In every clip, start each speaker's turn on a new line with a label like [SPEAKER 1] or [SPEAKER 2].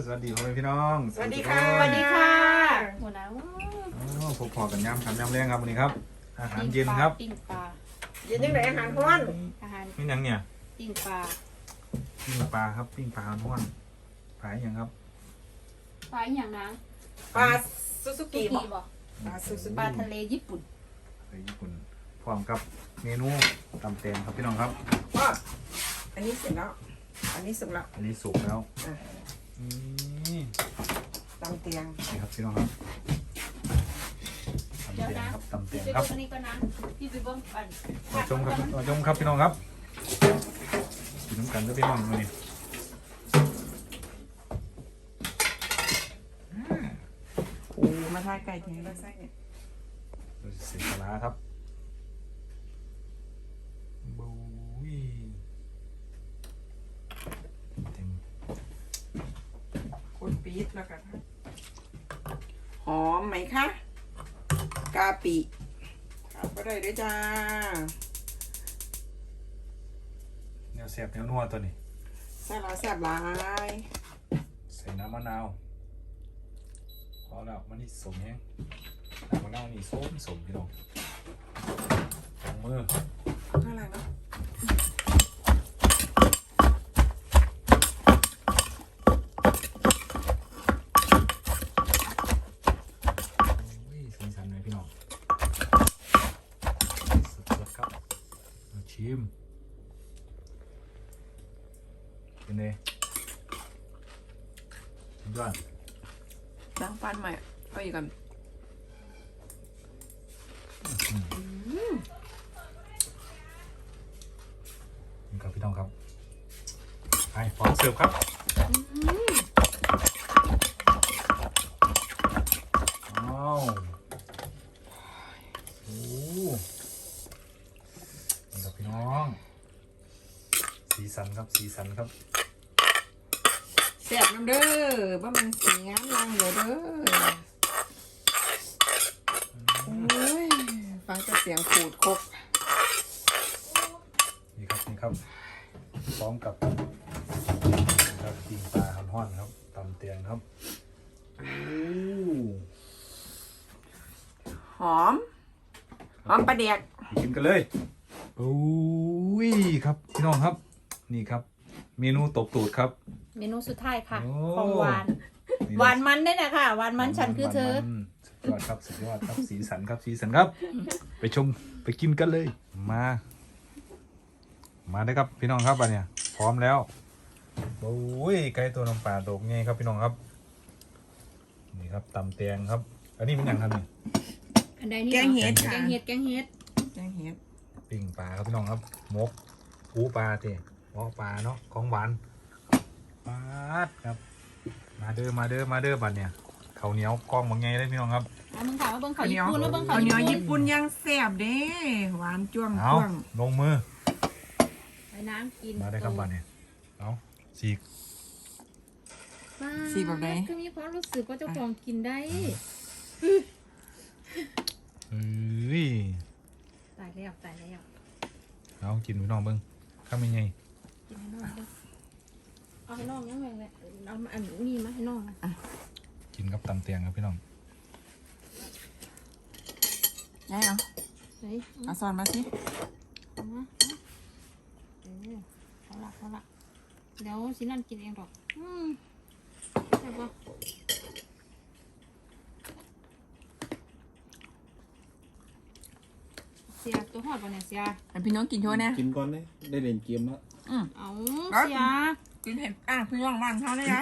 [SPEAKER 1] สวัสดีพ่อแม่พี่น้อง
[SPEAKER 2] สวัสดีค่ะ
[SPEAKER 3] สวัสดีค่ะหัวหน้า
[SPEAKER 1] พบพอกันย่ำแรงครับวันนี้ครับอาหารเย็นครับ
[SPEAKER 3] ปิ้งปลา
[SPEAKER 2] เย็นยังไงอาหารร้อน
[SPEAKER 3] อาหาร
[SPEAKER 1] นี่ยังเนี่ย
[SPEAKER 3] ปิ้งปลา
[SPEAKER 1] ปิ้งปลาครับปิ้งปลาท้วนปลาอย่างครับ
[SPEAKER 3] ปลาอย่างนั้น
[SPEAKER 2] ปลาซูซู
[SPEAKER 3] กี
[SPEAKER 2] กิบอก
[SPEAKER 3] บอก
[SPEAKER 2] ปลาซูซู
[SPEAKER 3] ปลา
[SPEAKER 2] กิ
[SPEAKER 3] ทะเลญี่ปุ่น
[SPEAKER 1] ไปญี่ปุ่นพร้อมกับเมนูตำแตงครับพี่น้องครับ
[SPEAKER 2] ก็อันนี้เสร็จแล้ว อันนี้สุกแล้ว
[SPEAKER 1] อันนี้สุกแล้ว
[SPEAKER 2] อ่ะ
[SPEAKER 1] นี่
[SPEAKER 2] ตำเตียง
[SPEAKER 1] นี่ครับพี่น้องครับตำ
[SPEAKER 3] เดี๋ยว
[SPEAKER 1] แตง
[SPEAKER 3] นะครับ
[SPEAKER 1] ตำแต
[SPEAKER 3] พี่
[SPEAKER 1] ง
[SPEAKER 3] ไป
[SPEAKER 1] ครับ
[SPEAKER 3] เบิ้งอันนี้ก็นะพี่ไปเบิ้งปัน
[SPEAKER 1] มาชมครับมาชมครับพี่น้องครับกินน้ำกันแล้วพี่น้องมานี่
[SPEAKER 2] โอ้มาทายไก่แทงแล้วไส้เนี่ย
[SPEAKER 1] เราจะใส่ปลาร้าครับบูยเต็ม
[SPEAKER 2] คนปี๊ดแล้วกันหอมไหมคะกาปิขาดก็ได้ด้วยจ้า
[SPEAKER 1] แนวแซ่บแนวนัวตัวนี้
[SPEAKER 2] แซ่บหลายแซ่บหลาย
[SPEAKER 1] ใส่น้ำมะนาวพอแล้วมันนี่สมแห้งน้ำมะนาวนี่สมพี่น้องลงมือ
[SPEAKER 2] น่ารักเนาะ
[SPEAKER 1] อุ้ยสีสันเลยพี่น้องสดๆครับมาชิมเป็นไงยอด
[SPEAKER 2] ล้างฟันใหม่เอาอีกกัน
[SPEAKER 1] นี่ครับพี่น้องครับไปพร้อมเสิร์ฟครับว้าวโอ้นี่ครับพี่น้องสีสันครับสีสันครับ
[SPEAKER 2] แซ่บน้ำเด้อว่ามันสีงามลังเด้อโอ้ยฟังแต่เสียงขูดคก
[SPEAKER 1] นี่ครับพร้อมกับครับปิ้งปลาห่อนๆครับตำเตียงครับโอ้
[SPEAKER 2] หอมปลาเดียก
[SPEAKER 1] กินกันเลยโอ้ยครับพี่น้องครับนี่ครับเมนูตบตูดครับ
[SPEAKER 3] เมนูสุดท้ายค่ะ
[SPEAKER 1] โอ้
[SPEAKER 3] ของหวานหวานมันได้นะค่ะหวานมันฉันคือเธอ
[SPEAKER 1] สุดยอดครับสุดยอดครับสีสันครับสีสันครับ ไปชมไปกินกันเลยมาได้ครับพี่น้องครับอันเนี้ยพร้อมแล้วโอ้ยไก่ตัวน้ำปลาโดกไงครับพี่น้องครับนี่ครับตำแตงครับ อันนี้เป็นอย่างครับนี่
[SPEAKER 3] อันใดนี่
[SPEAKER 2] แกงเห็ด
[SPEAKER 3] แก
[SPEAKER 2] ค่ะ
[SPEAKER 3] งเห็ด
[SPEAKER 2] แกงเห็ด
[SPEAKER 1] ปิ้งปลาครับพี่น้องครับมกปูปลาเตะหม้อปลาเนาะของหวานปลาดครับมาเด้อบัดเนี่ยข้าวเหนียวกล้องบางไงเลยพี่น้องครับ
[SPEAKER 3] เอามึงข่าวมาเบิ้งข่าวญี่ปุ่นมาเบิ้งข่า
[SPEAKER 2] ข้าว วเหนียว
[SPEAKER 3] ญี่
[SPEAKER 2] ญี่
[SPEAKER 3] ปุ่
[SPEAKER 2] ปุ่
[SPEAKER 3] น
[SPEAKER 2] นยังแซ่บเด้หวานจ้วง
[SPEAKER 1] เอา
[SPEAKER 2] จ้วง
[SPEAKER 1] ลงมือ
[SPEAKER 3] ไปน้ำกิน
[SPEAKER 1] มาได้ครับบัดเนี่ยเอาสีก
[SPEAKER 2] สีแบบไหน
[SPEAKER 3] ก็มีความรู้สึกว่าเจ้าของกินได้
[SPEAKER 1] เอ้ย
[SPEAKER 3] ตายแล้ว
[SPEAKER 1] เอากินพี่น้องเบิ้งข้าวเป็นไง
[SPEAKER 3] กินให้น้องเด้อเอาให้น้องยังไงเลยเอาอันนี้มาให้น้องนะ
[SPEAKER 1] กินกับตำเตียงครับพี่น้อง
[SPEAKER 2] ได้เหรอ
[SPEAKER 3] เฮ้ย
[SPEAKER 2] เอาซอนมาสิ
[SPEAKER 3] เอามาเอาละเดี๋ยวสินั่นกินเองหรอกใช่ปะเสียตัวหอดปะเนี่ยเสีย
[SPEAKER 2] ให้พี่น้องกินโชว์นะ
[SPEAKER 4] กินก่อนเลยได้เล่นเกมแล้ว
[SPEAKER 3] เอา
[SPEAKER 2] แล้ว
[SPEAKER 3] เสีย
[SPEAKER 2] กินเห็ดพี่น้องบ้านเขาได้ไหม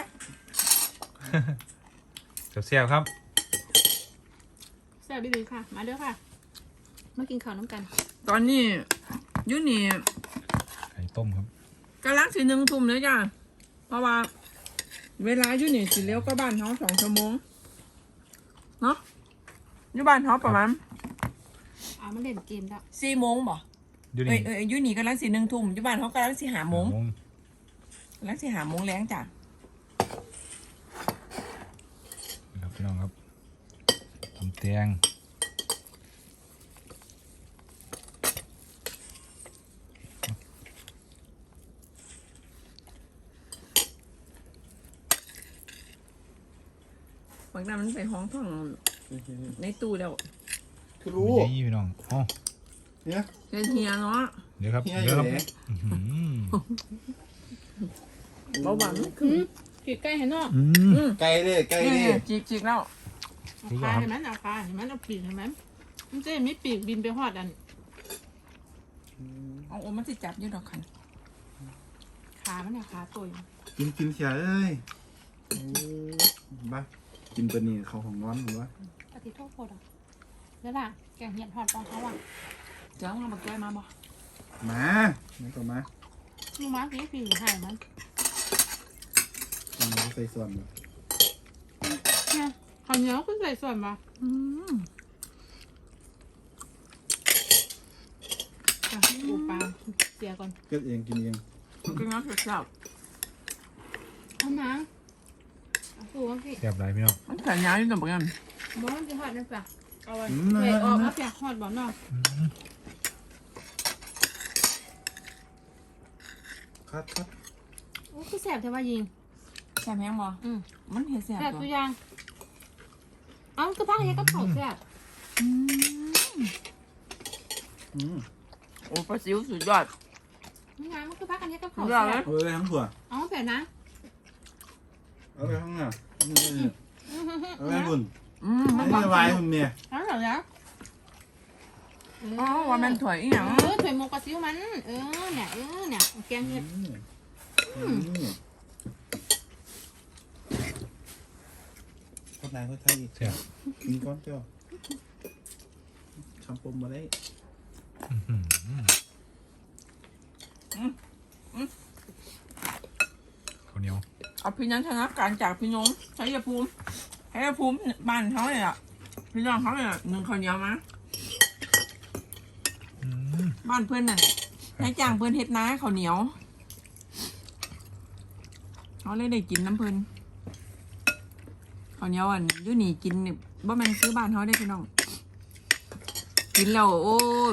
[SPEAKER 1] เสียบครับ
[SPEAKER 3] เสียดีๆค่ะ มาเด้อค่ะ มากินข้าวน้ำกัน
[SPEAKER 2] ตอนนี้ยูนี่
[SPEAKER 1] ไข่ต้มครับ
[SPEAKER 2] กำลังสิ1 ทุ่มเลยจ้ะเพราะว่า เวลายูนี่สิเลี้ยวก็บ้านเขา2 ชั่วโมงเนาะอยู่บ้านเขาประมาณ
[SPEAKER 3] เอามาเล่นเกมแล้ว
[SPEAKER 2] 4 โมงบ่
[SPEAKER 1] อยู่
[SPEAKER 2] เอ้
[SPEAKER 1] นี่
[SPEAKER 2] ยยูนี่กำลังสิ1 ทุ่มอยู่บ้านเขากำลังสิ5 โมง
[SPEAKER 1] โมง
[SPEAKER 2] กำลังสิ5 โมงแรงจ้ะ
[SPEAKER 1] นี่ครับพี่น้องครับตำเตียง
[SPEAKER 2] บางนั้นมันใส่ห้องท่องในตู้แล้ว
[SPEAKER 4] คือรู้
[SPEAKER 1] ไม่ใช่พี่น้องอ๋อ
[SPEAKER 4] เนี่ย
[SPEAKER 2] เฮียเนาะ
[SPEAKER 1] เดี๋ยวครับ
[SPEAKER 4] เฮียอ
[SPEAKER 1] เดี๋ยว
[SPEAKER 4] ยู่
[SPEAKER 1] ครับ
[SPEAKER 4] ไหน
[SPEAKER 1] อื้อหือ
[SPEAKER 2] เบาหวาน
[SPEAKER 3] ขีดใกล้ให้น้อง
[SPEAKER 4] ไกลเลยไกล
[SPEAKER 2] นี่
[SPEAKER 4] เลย
[SPEAKER 2] จีกแล้ว
[SPEAKER 3] เอาขาเห็นไหมเอาขาเห็นไหมเอาปีกเห็นไหมมันจะมีปีกบินไปหอดอัน
[SPEAKER 2] เอาโอ้มันจะจับอยืดดอกคัน
[SPEAKER 3] ขามันเนี่ยขาตัว
[SPEAKER 4] กินเสียเอ้ยบ้ากินปนี่เขาของน้อนหรือวะ
[SPEAKER 3] ปฏิโทษโคตรแล้วล่ะแกงเห็ดหอดปองเขาอ่ะ
[SPEAKER 2] เดี๋ยวเอามาแก้มาบ่
[SPEAKER 4] มาไม่ก็มา
[SPEAKER 3] ลูกม้ากี่ปีหายมัน
[SPEAKER 4] เอาใส่ส่วนแบบ
[SPEAKER 3] เนี่ยข้าวเหนียวคุณใส่ส่วนปะปูปลาเสียก่อน
[SPEAKER 4] เก็บเองกินเอง
[SPEAKER 2] กินน้ำเสียบ
[SPEAKER 3] เอาน้ำเอาปูมาสิ
[SPEAKER 1] แซ่บหลายพี่น้อง
[SPEAKER 2] มันใส่ยาอยู่ตรงนั้น
[SPEAKER 3] บ่มันจะหอดนั่นปะเอาไว้
[SPEAKER 4] อืม
[SPEAKER 3] เทออก
[SPEAKER 4] นะ
[SPEAKER 3] มาเปียกหอดบ่เนาะ
[SPEAKER 4] คัด
[SPEAKER 3] โอ้คือแสบใช่ป่ะยิง
[SPEAKER 2] แซ่บแห้งบ่
[SPEAKER 3] อืม
[SPEAKER 2] มันเห็นแซ่บ
[SPEAKER 3] แสบ
[SPEAKER 2] บ่
[SPEAKER 3] ตัวอยางเอาคือพักเฮ็ดกับข้าวแสบ
[SPEAKER 2] โอ้ปลาซิวสุดยอด
[SPEAKER 3] นี่ไงมันคือพักกันเฮ็ดกับข้าว
[SPEAKER 2] เดี๋ยว
[SPEAKER 3] แส
[SPEAKER 2] นะ
[SPEAKER 3] บ
[SPEAKER 4] เอาไปทั้งถั่ว
[SPEAKER 3] เอาแบบนั้น
[SPEAKER 4] เอาไปทั้งน่ะเอาไปบุญ
[SPEAKER 2] มัน
[SPEAKER 4] ไม่
[SPEAKER 2] บาง
[SPEAKER 4] ไหวคุณเมีย
[SPEAKER 3] เอาเหรอเนี่ย
[SPEAKER 2] อ๋อว่ามันถอยอีหยัง
[SPEAKER 3] ถวยหมกปลาซิวมันเนี่ยแกงเห็ด
[SPEAKER 4] คนไหนคนไทยอีก
[SPEAKER 1] แซ่บ
[SPEAKER 4] กินก้อนเจ้าคำปมมาได้
[SPEAKER 1] อื้อหือข้าวเหนียว
[SPEAKER 2] เอาพี่นันชนะการจากพี่น้องชัยภูมิบ้านเขาเนี่ยพี่น้องเขาเนี่ยหนึ่งข้าวเหนียวมา
[SPEAKER 1] อืม
[SPEAKER 2] บ้านเพื่อนน่ะให้จ้างเพื่อนเฮ็ดนาข้าวเหนียวเขาเลยได้กินน้ำเพื่อนข้าวเหนียวอันอยู่นี่กินนี่บ่แม่นซื้อบ้านเขาได้พี่น้องกินแล้วโอ้ย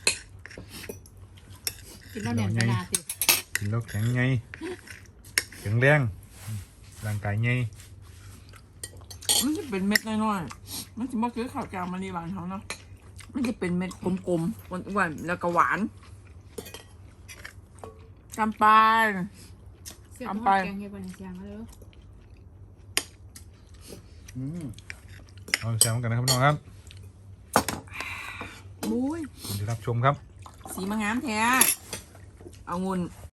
[SPEAKER 3] กินแล้วเนี่ยขนาดติ
[SPEAKER 1] กินแล้วแข็งไงแข็งแรงร่างกายไง
[SPEAKER 2] มันจะเป็นเม็ดน้อยๆมันจะบ่คือข้าวจางมะลิบ้านเขาเนาะมันจะเป็นเม็ดกลมๆอ้วนๆแล้วก็หวานจำปา
[SPEAKER 3] เสียบแกงเห็ดวันนี้เสียงมาเลย
[SPEAKER 1] เอาแซมกันนะครับพี่น้องครับ
[SPEAKER 2] บุ้ย
[SPEAKER 1] ขอบคุณที่รับชมครับ
[SPEAKER 2] สีมางามแท้เอางุ่น